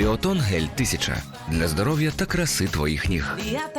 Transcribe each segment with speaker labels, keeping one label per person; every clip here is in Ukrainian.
Speaker 1: Ліотон гель 1000 для здоров'я та краси твоїх ніг.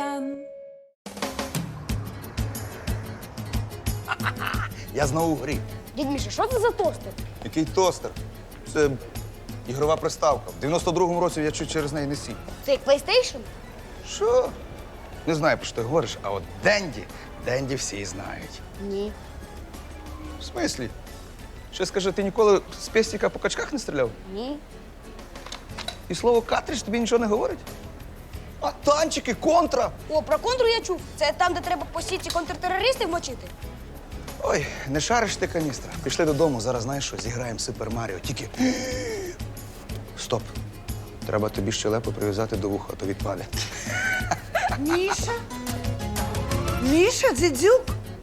Speaker 2: Я знову в грі.
Speaker 3: Дядь Міша, що це за тостер?
Speaker 2: Який тостер? Це ігрова приставка. В 92-му році я чуть через неї не сів.
Speaker 3: Це як PlayStation?
Speaker 2: Що? Не знаю, про що ти говориш, а от Денді всі знають.
Speaker 3: Ні.
Speaker 2: В смислі? Ще скажи, ти ніколи з пестика по качках не стріляв?
Speaker 3: Ні.
Speaker 2: І слово «картридж» тобі нічого не говорить? А танчики, контра?
Speaker 3: О, про контру я чув. Це там, де треба по сіті контртерористів мочити?
Speaker 2: Ой, не шариш ти каністра. Пішли додому, зараз знаєш що, зіграємо Супер Маріо. Тільки. Стоп. Треба тобі щелепу прив'язати до вуха, а то відпаде.
Speaker 4: Міша? Міша, дідюк?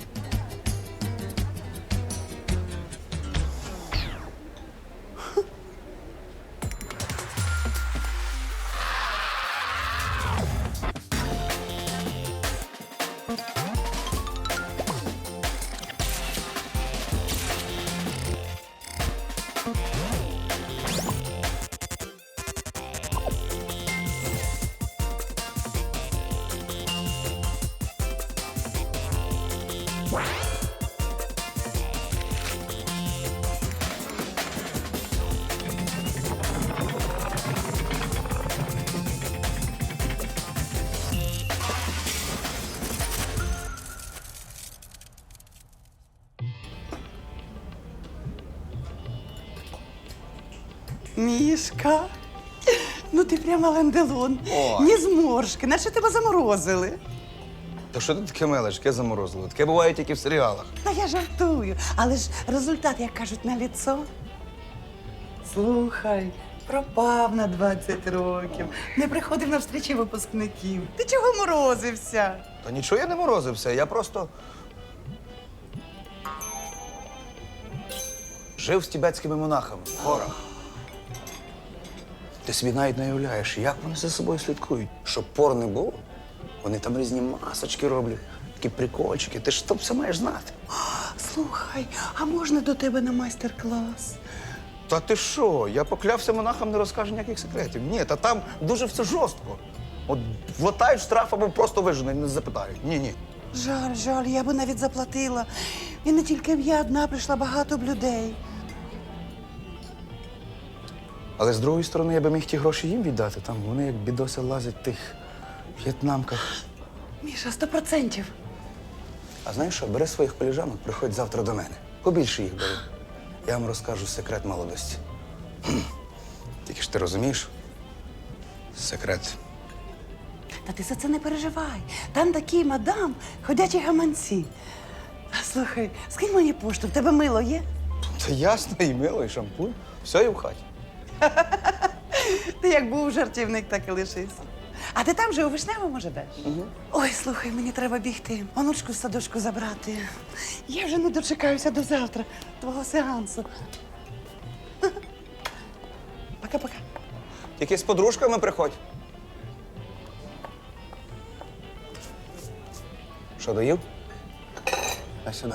Speaker 4: Мішка, ну ти прямо ланделон.
Speaker 2: Ой.
Speaker 4: Ні зморшки, наче тебе заморозили.
Speaker 2: Та що ти таке мелеш, яке заморозило? Таке буває тільки в серіалах.
Speaker 4: Та я жартую, але ж результат, як кажуть, на ліцо. Слухай, пропав на 20 років, не приходив на встрічі випускників. Ти чого морозився?
Speaker 2: Та нічого я не морозився, я просто. Жив з тібетськими монахами в горах. Ти собі навіть не уявляєш, як вони за собою слідкують. Щоб пор не було, вони там різні масочки роблять, такі прикольчики. Ти ж то все маєш знати.
Speaker 4: Слухай, а можна до тебе на майстер-клас?
Speaker 2: Та ти що? Я поклявся монахам, не розкажу ніяких секретів. Ні, та там дуже все жорстко. От влатають штраф або просто виженуть, не запитають. Ні.
Speaker 4: Жаль, я би навіть заплатила. І не тільки я одна, прийшла багато б людей.
Speaker 2: Але з другої сторони, я би міг ті гроші їм віддати. Там вони як бідоси лазять в тих в'єтнамках.
Speaker 4: Міша, 100%.
Speaker 2: А знаєш що, бери своїх коліжанок, приходь завтра до мене. Побільше їх бери. Я вам розкажу секрет молодості. Тільки ж ти розумієш? Секрет.
Speaker 4: Та ти за це не переживай. Там такі мадам, ходячі гаманці. Слухай, скинь мені пошту, в тебе мило є?
Speaker 2: Та ясно, і мило, і шампунь. Все є в хаті.
Speaker 4: Ти як був жартівник, так і лишився. А ти там же у Вишневому живеш? Ой, слухай, мені треба бігти. Онучку з садочку забрати. Я вже не дочекаюся до завтра, твого сеансу. Пока-пока.
Speaker 2: Тільки з подружками приходь. Що, доїв? А сюди.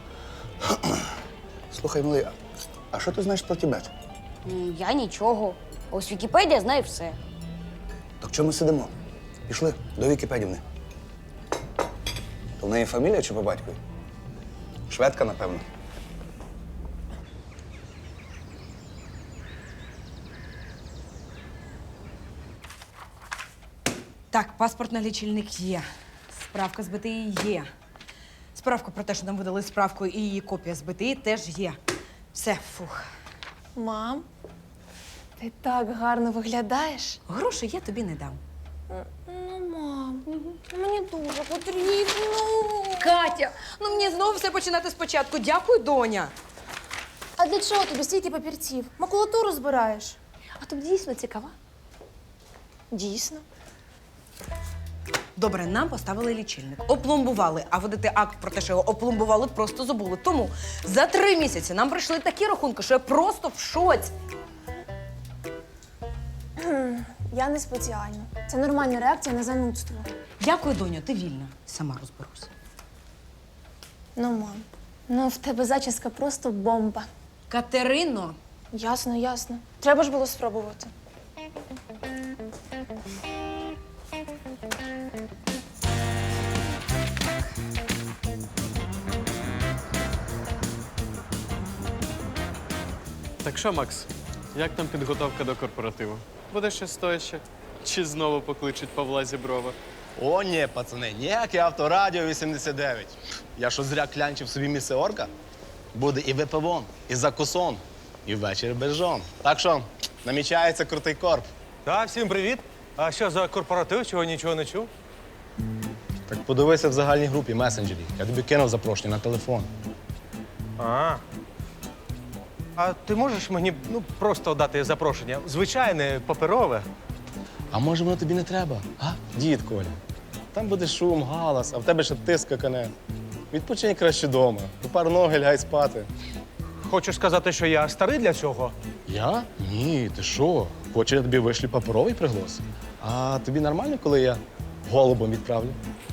Speaker 2: Слухай, малий, а що ти знаєш про Тібет?
Speaker 3: Я нічого. Ось Вікіпедія знає все.
Speaker 2: Так чому ми сидимо? Пішли до Вікіпедівни. То в неї фамілія чи по батькові? Шведка, напевно.
Speaker 5: Так, паспорт на лічильник є. Справка з БТІ є. Справка про те, що нам видали справку, і її копія з БТІ теж є. Все, фух.
Speaker 6: Мам, ти так гарно виглядаєш.
Speaker 5: Грошей я тобі не дам.
Speaker 6: Ну, мам, мені дуже потрібно.
Speaker 5: Катя, ну мені знову все починати спочатку. Дякую, доня.
Speaker 6: А для чого тобі стільки папірців? Макулатуру збираєш. А тобі дійсно цікаво? Дійсно.
Speaker 5: Добре, нам поставили лічильник, опломбували, а видати акт про те, що його опломбували, просто забули. Тому за 3 місяці нам прийшли такі рахунки, що я просто в шоці.
Speaker 6: Я не спеціально. Це нормальна реакція на занудство.
Speaker 5: Дякую, доню, ти вільна. Сама розберуся.
Speaker 6: Ну, мам, ну в тебе зачіска просто бомба.
Speaker 5: Катерино,
Speaker 6: Ясно. Треба ж було спробувати.
Speaker 7: Так що, Макс, як там підготовка до корпоративу? Буде ще стояще? Чи знову покличуть Павла Зіброва?
Speaker 8: О, ні, пацани, ніяке авторадіо 89. Я що зря клянчив собі місце орка? Буде і випивон, і закусон, і вечір без жон. Так що, намічається крутий корп.
Speaker 9: Так, всім привіт. А що за корпоратив, чого нічого не чув?
Speaker 8: Так подивися в загальній групі месенджері. Я тобі кинув запрошення на телефон.
Speaker 9: А ти можеш мені просто дати запрошення? Звичайне, паперове.
Speaker 8: А може воно тобі не треба? А? Дід Коля. Там буде шум, галас, а в тебе ще тиск какане. Відпочинь краще вдома. У пар ноги лягай спати.
Speaker 9: Хочеш сказати, що я старий для цього?
Speaker 8: Я? Ні, ти що? Хочеш, я тобі вишлю паперовий приглас? А тобі нормально, коли я голубом відправлю?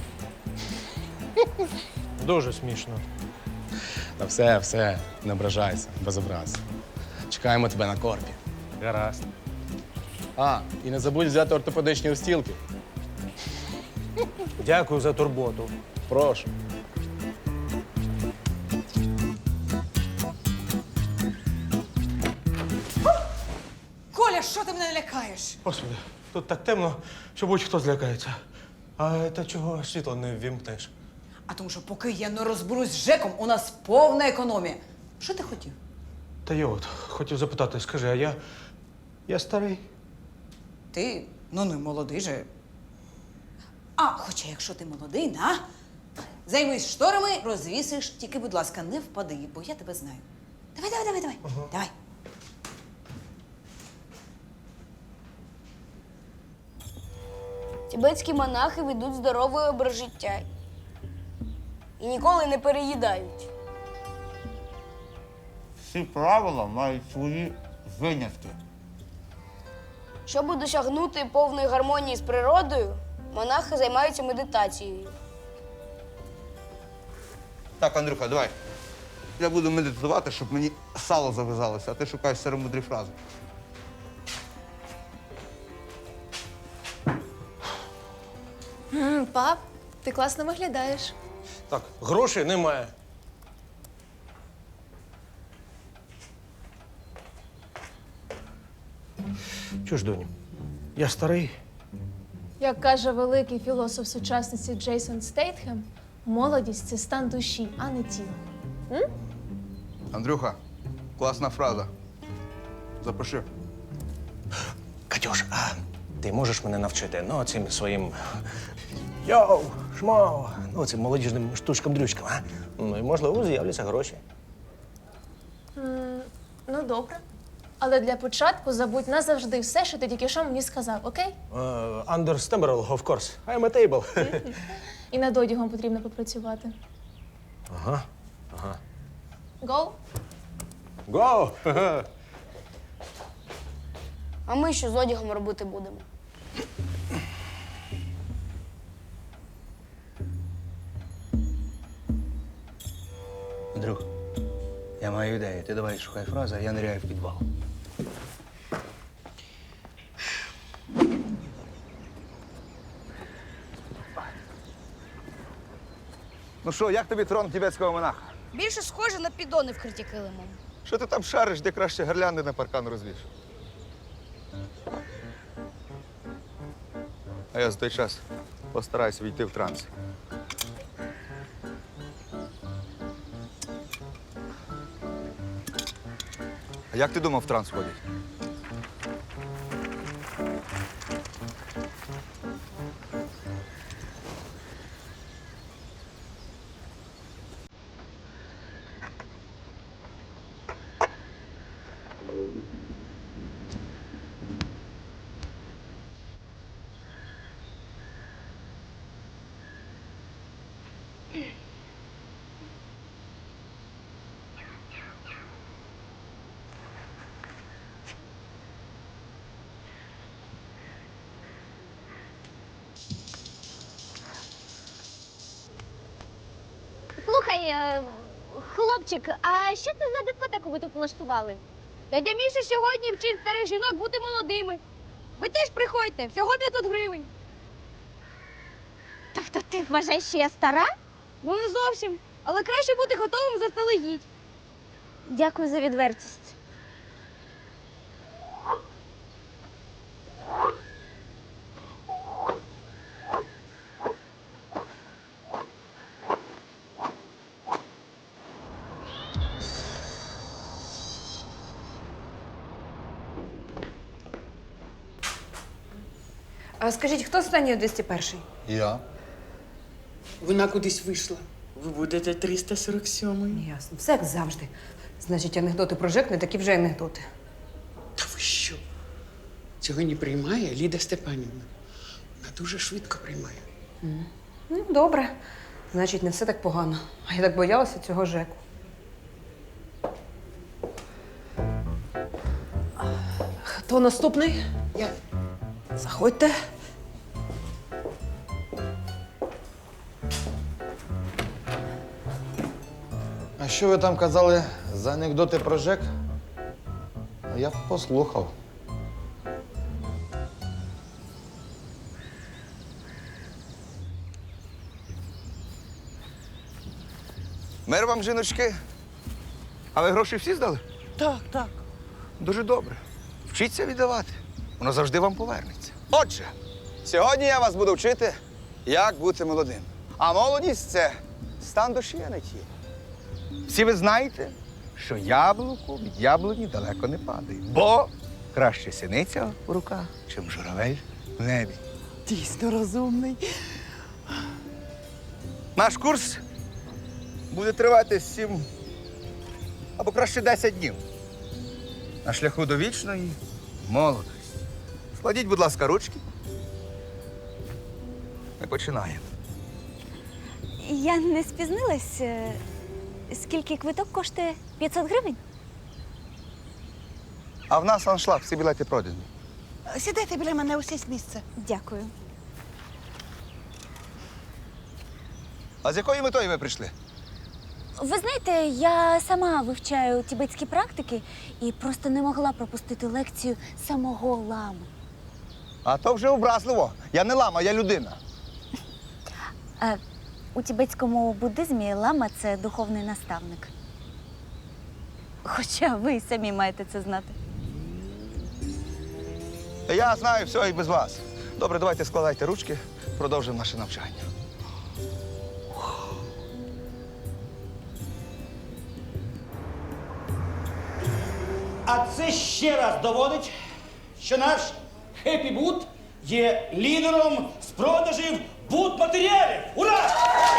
Speaker 9: Дуже смішно.
Speaker 8: Та все, не ображайся, без образ. Чекаємо тебе на корпі.
Speaker 9: Гаразд.
Speaker 8: А, і не забудь взяти ортопедичні устілки.
Speaker 9: Дякую за турботу.
Speaker 8: Прошу.
Speaker 5: Коля, що ти мене лякаєш?
Speaker 9: Господи, тут так темно, що будь-хто злякається. А ти чого світло не ввімкнеш?
Speaker 5: А тому що поки я не розберусь з Жеком, у нас повна економія. Що ти хотів?
Speaker 9: Та я от хотів запитати, скажи, а я старий?
Speaker 5: Ти, ну не молодий же. А, хоча якщо ти молодий, на, займись шторами, розвісиш, тільки, будь ласка, не впади, бо я тебе знаю. Давай. Давай.
Speaker 3: Тібетські монахи ведуть здоровий образ життя і ніколи не переїдають.
Speaker 10: Всі правила мають свої винятки.
Speaker 3: Щоб досягнути повної гармонії з природою, монахи займаються медитацією.
Speaker 10: Так, Андрюха, давай. Я буду медитувати, щоб мені сало зав'язалося, а ти шукаєш старомудрі фрази.
Speaker 6: Пап, ти класно виглядаєш.
Speaker 9: Так, грошей немає. Чого ж, доню, я старий.
Speaker 6: Як каже великий філософ сучасності Джейсон Стейтхем, молодість це стан душі, а не тіла.
Speaker 10: Андрюха, класна фраза. Запиши.
Speaker 9: Катюш, а ти можеш мене навчити? Ну, цим своїм йоу, шмоу, ну, цим молодіжним штучкам-дрючкам, а? Ну, і, можливо, з'являться гроші.
Speaker 6: Ну, добре. Але для початку забудь назавжди все, що ти тільки що мені сказав, окей?
Speaker 9: Understandable, of course. I'm a table.
Speaker 6: І над одягом потрібно попрацювати.
Speaker 9: Ага.
Speaker 6: Go!
Speaker 9: Go!
Speaker 3: А ми що з одягом робити будемо?
Speaker 2: Друг, я маю ідею. Ти давай шукай фрази, а я ниряю в підвал.
Speaker 10: Ну що, як тобі трон тібетського монаха?
Speaker 3: Більше схоже на підони, вкриті килимом.
Speaker 10: Що ти там шариш, де краще гирлянди на паркан розвіш? А я за той час постараюся війти в транс. А як ти думав, в транс входять?
Speaker 11: Слухай, хлопчик, а що це за дискотеку ви тут влаштували?
Speaker 3: Дядя Міша сьогодні вчить старих жінок бути молодими.
Speaker 11: Ви теж приходьте, всього 500 гривень. Тобто ти вважаєш, що я стара?
Speaker 3: Ну не зовсім. Але краще бути готовим заздалегідь.
Speaker 11: Дякую за відвертість.
Speaker 5: А скажіть, хто останній у 201?
Speaker 10: Я.
Speaker 12: Вона кудись вийшла. Ви будете 347-й.
Speaker 5: Ясно. Все як завжди. Значить, анекдоти про ЖЕК не такі вже анекдоти.
Speaker 12: Та ви що? Цього не приймає Ліда Степанівна. Вона дуже швидко приймає.
Speaker 5: Ну, добре. Значить, не все так погано. А я так боялася цього ЖЕКу. Хто наступний?
Speaker 12: Я.
Speaker 5: Заходьте.
Speaker 10: А що ви там казали за анекдоти про ЖЕК? Я б послухав.
Speaker 2: Мир вам, жіночки. А ви гроші всі здали?
Speaker 4: Так, так.
Speaker 2: Дуже добре. Вчіться віддавати. Воно завжди вам повернеться. Отже, сьогодні я вас буду вчити, як бути молодим. А молодість це стан душі, а не тіла. Всі ви знаєте, що яблуко від яблуні далеко не падає. Бо краще синиця в руках, чим журавель в небі.
Speaker 4: Дійсно розумний.
Speaker 2: Наш курс буде тривати 7 або краще 10 днів. На шляху до вічної молодості. Складіть, будь ласка, ручки. Ми починаємо.
Speaker 11: Я не спізнилась. Скільки квиток коштує? 500 гривень?
Speaker 2: А в нас аншлаг, всі білети продані.
Speaker 4: Сідайте біля мене, усість місце.
Speaker 11: Дякую.
Speaker 2: А з якою метою ви прийшли?
Speaker 11: Ви знаєте, я сама вивчаю тібетські практики і просто не могла пропустити лекцію самого лами.
Speaker 2: А то вже образливо. Я не лама, я людина.
Speaker 11: У тібетському буддизмі лама – це духовний наставник. Хоча ви й самі маєте це знати.
Speaker 2: Я знаю все і без вас. Добре, давайте складайте ручки, продовжимо наше навчання.
Speaker 13: А це ще раз доводить, що наш Хеппі Бут є лідером з продажів бут-матеріалів. Ура!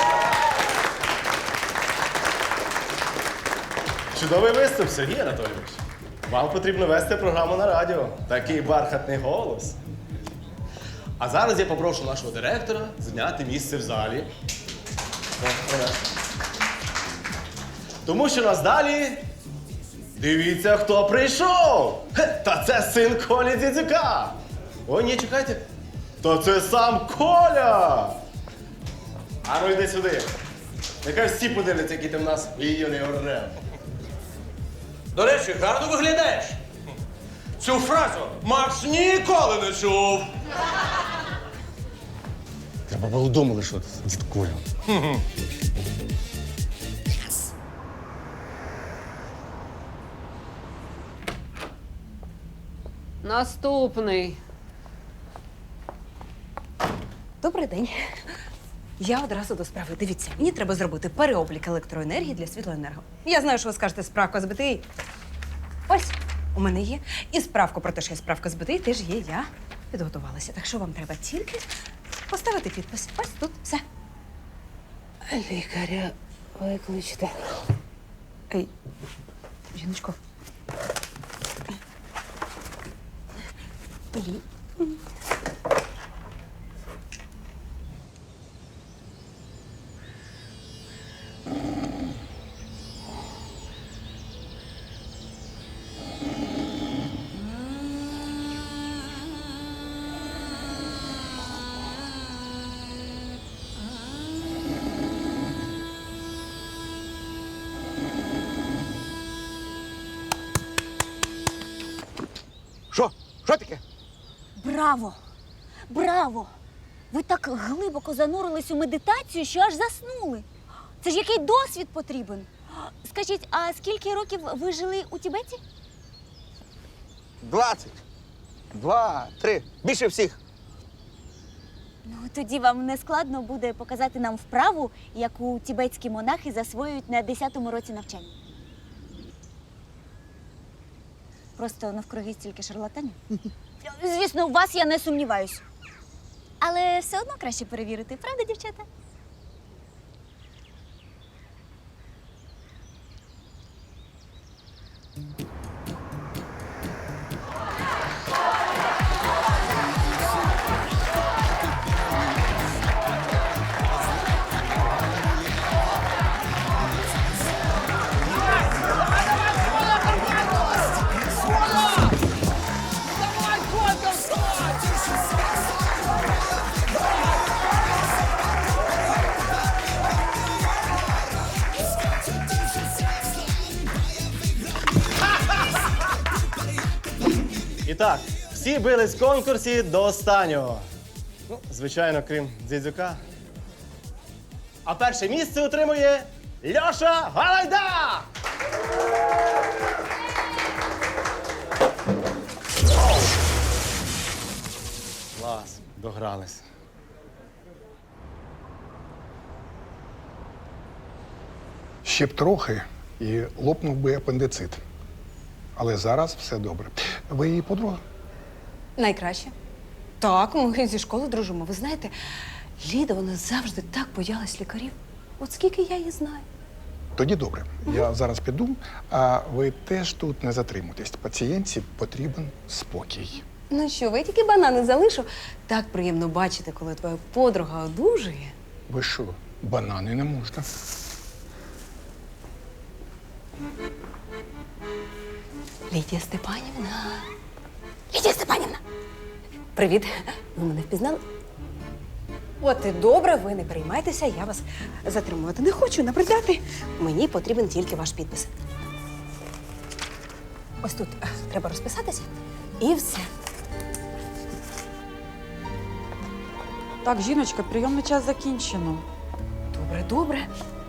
Speaker 8: Чудовий виступ, Сергій Анатолійович. Вам потрібно вести програму на радіо. Такий бархатний голос. А зараз я попрошу нашого директора зайняти місце в залі. Тому що нас далі. Дивіться, хто прийшов! Та це син Колі Дзідзюка! Ой, ні, чекайте. Та це сам Коля! А ну йди сюди. Нехай всі подивляться, який ти в нас юний орел.
Speaker 13: До речі, гарно виглядаєш. Цю фразу Макс ніколи не чув.
Speaker 8: Треба було думали, що дід Коля.
Speaker 5: Наступний. Добрий день. Я одразу до справи. Дивіться, мені треба зробити переоблік електроенергії для світлоенерго. Я знаю, що ви скажете справка з БТІ. Ось, у мене є. І справку про те, що є справка з БТІ, теж є. Я підготувалася. Так що вам треба тільки поставити підпис. Ось тут все. Лікаря викличте. Ей, жіночко.
Speaker 2: Що? Що таке?
Speaker 11: Браво! Браво! Ви так глибоко занурились у медитацію, що аж заснули. Це ж який досвід потрібен. Скажіть, а скільки років ви жили у Тібеті?
Speaker 2: 20. 2, 3. Більше всіх.
Speaker 11: Ну, тоді вам не складно буде показати нам вправу, яку тібетські монахи засвоюють на 10-му році навчання. Просто навкруги стільки шарлатанів. Звісно, у вас я не сумніваюсь. Але все одно краще перевірити, правда, дівчата?
Speaker 8: І так, всі бились в конкурсі до останнього. Ну, звичайно, крім Дзідзюка. А перше місце отримує Льоша Галайда! Клас, догрались.
Speaker 14: Ще б трохи і лопнув би апендицит. Але зараз все добре. Ви її подруга?
Speaker 5: Найкраще. Так, ми зі школи дружимо. Ви знаєте, Ліда, вона завжди так боялась лікарів. От скільки я її знаю.
Speaker 14: Тоді добре. Я зараз піду, а ви теж тут не затримуйтесь. Пацієнтці потрібен спокій.
Speaker 5: Ну що, ви тільки банани залишу. Так приємно бачити, коли твоя подруга одужує.
Speaker 14: Ви що, банани не можна?
Speaker 5: Лідія Степанівна. Лідія Степанівна! Привіт. Ви мене впізнали? От і добре, ви не переймайтеся, я вас затримувати не хочу, набридати. Мені потрібен тільки ваш підпис. Ось тут треба розписатися і все.
Speaker 15: Так, жіночка, прийомний час закінчено.
Speaker 5: Добре, добре.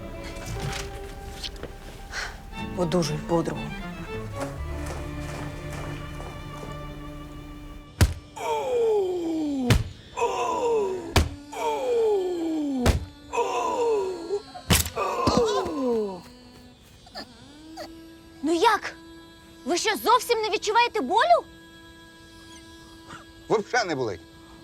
Speaker 5: Одужуй подругу.
Speaker 11: Ну як? Ви що, зовсім не відчуваєте болю?
Speaker 2: Взагалі не болить.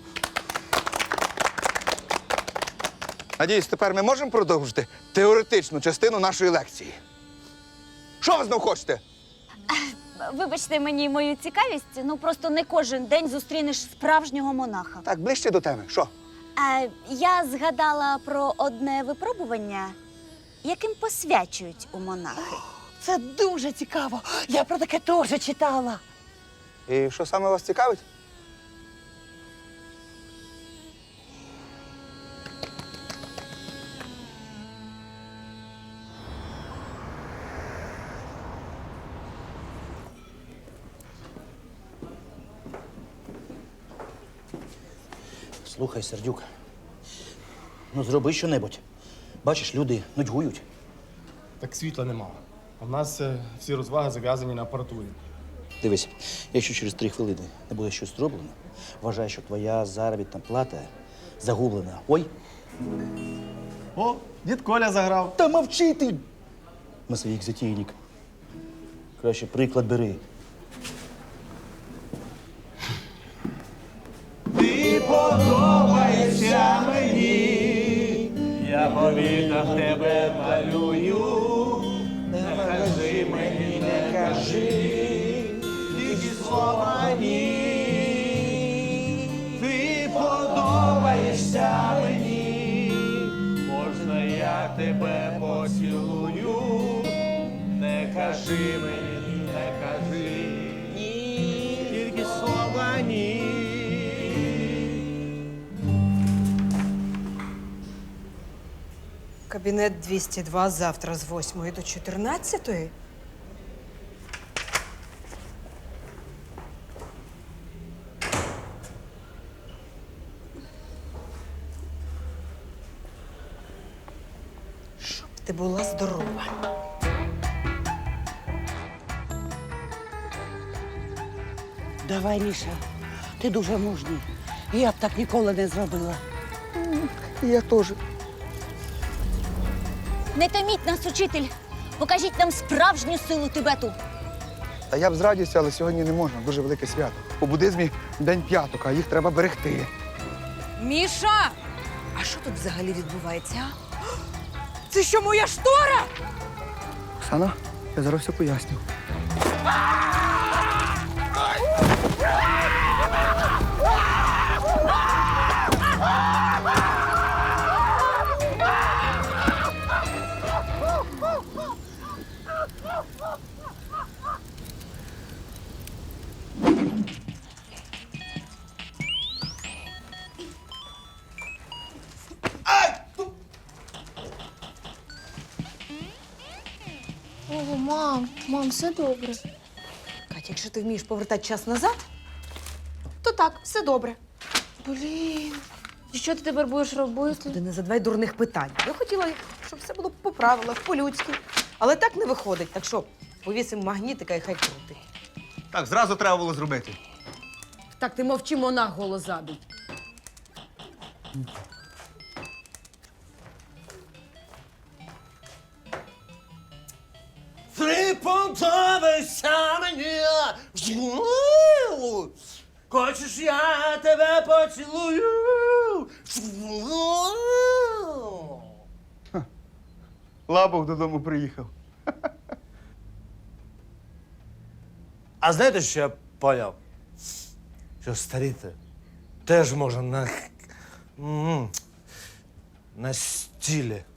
Speaker 2: Надіюсь, тепер ми можемо продовжити теоретичну частину нашої лекції. Що ви знов хочете?
Speaker 11: Вибачте мені мою цікавість, ну просто не кожен день зустрінеш справжнього монаха.
Speaker 2: Так, ближче до теми. Що?
Speaker 11: Я згадала про одне випробування, яким посвячують у монахи.
Speaker 4: Це дуже цікаво. Я про таке теж читала.
Speaker 2: І що саме вас цікавить?
Speaker 13: Слухай, Сердюк, ну зроби щонебудь. Бачиш, люди нудьгують.
Speaker 8: Так світла нема. А в нас всі розваги зав'язані на апаратурі.
Speaker 13: Дивись, якщо через 3 хвилини не буде щось зроблено, вважай, що твоя заробітна плата загублена. Ой.
Speaker 8: О, дід Коля заграв.
Speaker 13: Та мовчи ти! На своїх затійник. Краще приклад бери.
Speaker 16: Ти подобаєшся мені, я по вікнах тебе малюю, не кажи мені, не кажи, тільки слова ні. Ти подобаєшся мені, можна я тебе поцілую, не кажи мені, не кажи, тільки слова ні.
Speaker 5: Кабінет 202 завтра з 8 до 14. ти була здорова.
Speaker 4: Давай, Міша, ти дуже мужній. Я б так ніколи не зробила.
Speaker 2: Я теж.
Speaker 11: Не томіть нас, учитель. Покажіть нам справжню силу Тибету.
Speaker 2: Та я б з радістю, але сьогодні не можна. Дуже велике свято. У буддизмі день п'яток, а їх треба берегти.
Speaker 5: Міша! А що тут взагалі відбувається? А? Це що, моя штора?
Speaker 2: Оксана, я зараз все поясню.
Speaker 6: О, мам, все добре.
Speaker 5: Катя, якщо ти вмієш повертати час назад, то так, все добре.
Speaker 6: Блін. І що ти тепер будеш робити?
Speaker 5: Ти не задавай дурних питань. Я хотіла, щоб все було по правилах, по-людськи. Але так не виходить. Так що повісимо магнітика і хай крутить.
Speaker 10: Так, зразу треба було зробити.
Speaker 5: Так ти мовчи, монах голос задуть.
Speaker 16: Трипонтове сяменя. Хочеш, я тебе поцілую?
Speaker 2: Лабух додому приїхав.
Speaker 9: А знаєте, що я поняв? Що старіти теж можна на стілі.